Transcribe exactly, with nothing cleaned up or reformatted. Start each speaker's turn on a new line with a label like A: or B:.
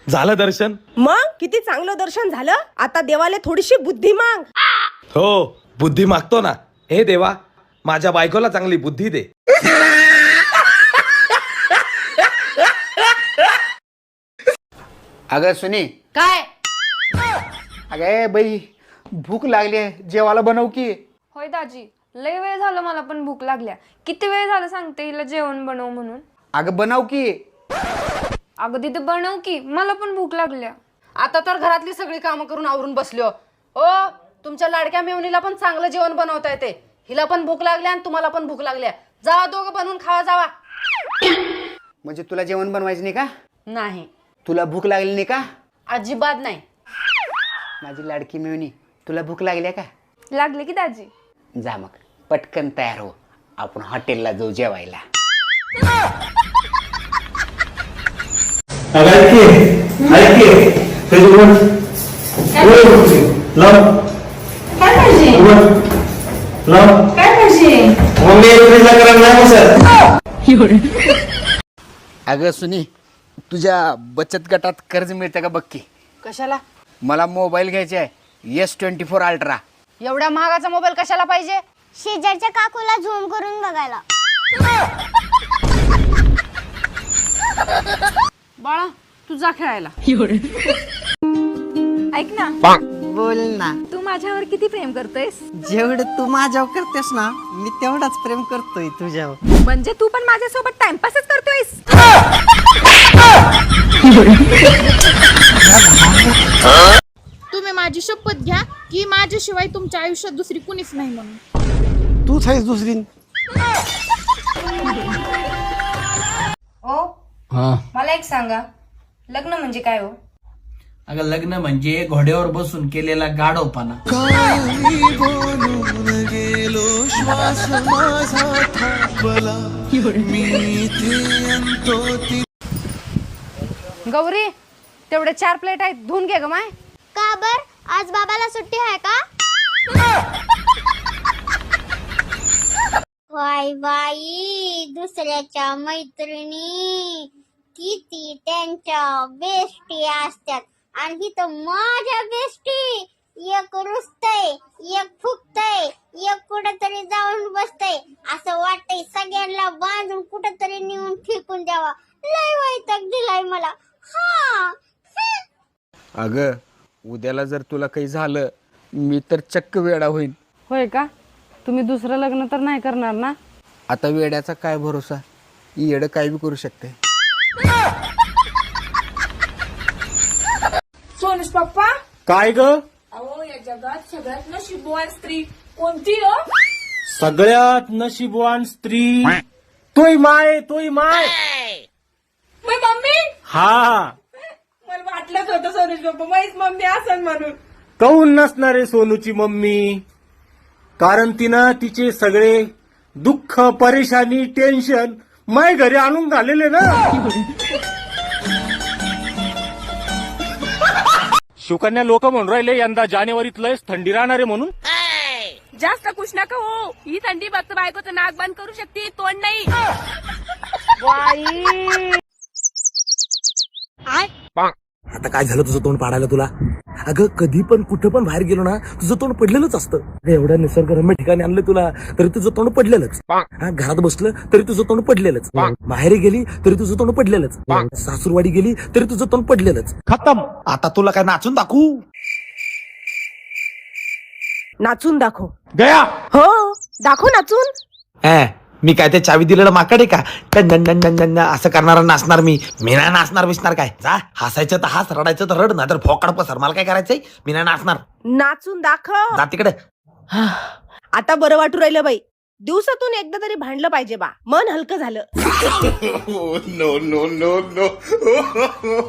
A: झालं दर्शन?
B: मग किती चांगलं दर्शन झालं. आता देवाला थोडीशी बुद्धी माग.
A: हो, बुद्धी मागतो ना. हे देवा, माझ्या बायकोला चांगली बुद्धी दे.
C: अगं सुनी,
D: काय?
C: अगं बाई भूक लागली आहे, जेवायला बनव की.
E: होय दाजी, लय वेळ झालं, मला पण भूक लागल्या. किती वेळ झालं सांगते हिला जेवण बनव म्हणून.
C: अगं बनव की.
E: अगं तिथे बनव की, मला पण भूक लागल्या.
D: आता तर घरातली सगळी कामं करून आवरून बसलो. ओ, तुमच्या लाडक्या मेवणीला पण चांगलं जेवण बनवता येते. हिला पण भूक लागल्या आणि तुम्हाला पण भूक लागल्या. जावा दोघं बनवून खावा जावा.
C: म्हणजे तुला जेवण बनवायचं नाही का?
D: नाही,
C: तुला भूक लागली नाही का?
D: अजिबात नाही.
C: माझी लाडकी मिळणी, तुला भूक लागली का?
E: लागले की दाजी.
C: जा मग पटकन तयार हो, आपण हॉटेलला जाऊ जेवायला. अगं सुनी, तुझ्या बचत गटात कर्ज मिळतं का बघ की.
D: कशाला?
C: मला मोबाईल घ्यायचा आहे, एस ट्वेंटी फोर अल्ट्रा.
D: एवढ्या महागाचा मोबाईल कशाला पाहिजे?
F: शेजारच्या काकूला झूम करून बघायला.
D: बाळा, तू जा खेळायला.
E: ऐक ना,
G: बोल ना.
E: तू माझ्यावर किती प्रेम करतोयस?
G: जेवढं तू माझ्यावर करतेस ना, मी तेवढाच प्रेम करतोय तुझ्यावर.
E: म्हणजे तू पण माझ्यासोबत टाइमपासच करतोयस?
H: तुम्ही माझी शपथ घ्या की माझ्याशिवाय तुमच्या आयुष्यात दुसरी कुणीच नाही म्हणून.
G: तूच आहेस दुसरी.
E: ओ, मला एक सांगा, लग्न म्हणजे काय हो?
I: अगं लग्न म्हणजे घोड्यावर बसून केलेला गाढवपणा.
D: गौरी, तेवढे चार प्लेट आहेत, धुवून घे ग माय.
F: का बर, आज बाबाला सुट्टी आहे का? वाय बाई, दुसऱ्याच्या मैत्रिणी किती त्यांच्या बेस्टी असतात आणि तर माझ्या बेस्टी एक रुसतय, एक फुकतय, एक कुठेतरी जाऊन बसतय. असं वाटतंय सगळ्यांना बांधून कुठेतरी नेऊन फेकून द्यावा. लय वैताग दिलाय मला. हा
C: अगं उद्याला जर तुला काही झालं, मी तर चक्क वेडा होईन.
D: होय का? तुम्ही दुसरं लग्न तर नाही करणार ना?
C: आता वेड्याचा काय भरोसा, येडं काय बी करू शकते.
H: सोनुष पप्पा,
A: काय ग?
H: अहो या जगात सगळ्यात नशीबवान स्त्री कोणती हो?
A: सगळ्यात नशीबवान स्त्री तोय माय, तोय माय.
H: मग मम्मी?
A: हा,
H: मला वाटलंच होतं सोनुष पप्पा माझीच मम्मी असन म्हणून.
A: काऊन नसणारे सोनूची मम्मी? कारण तिनं तिचे सगळे दुःख, परेशानी, टेन्शन माय घरी आणून घालेले ना. शिवकन्या लोक म्हणून राहिले यंदा जानेवारीत लयच थंडी राहणार आहे म्हणून.
H: जास्त खुश नका हो, ही थंडी फक्त बायकोचं नाक बंद करू शकते, तोंड नाही.
A: आता काय झालं तुझं तोंड पाडायला तुला? अगं कधी पण कुठं पण बाहेर गेलो ना, तुझं तोंड पडलेलंच असतं. एवढ्या निसर्गरम्य ठिकाणी आणलं तुला तरी तुझं तोंड पडलेलंच. हा, घरात बसलं तरी तुझं तोंड पडलेलंच. माहेरी गेली तरी तुझं तोंड पडलेलंच. सासूरवाडी गेली तरी तुझं तोंड पडलेलंच. खतम. आता तुला काय नाचून दाखवू?
B: नाचून दाखव.
A: गया
B: हो, दाखव नाचून.
A: मी काय ते चावी दिलेलं माकड आहे का? टन टन टन टन टन असं करणारा नाचणार मी. मी नाही नाचणार बिसणार काय. जा, हसायचं तर हस, रडायचं तर रड, नाही तर फोकाड पसर. मला काय करायचंय? मी नाही नाचणार.
B: नाचून दाखव.
A: जा तिकडे.
B: आता बरं वाटू राहिलं बाई. दिवसातून एकदा तरी भांडलं पाहिजे बा, मन हलकं झालं.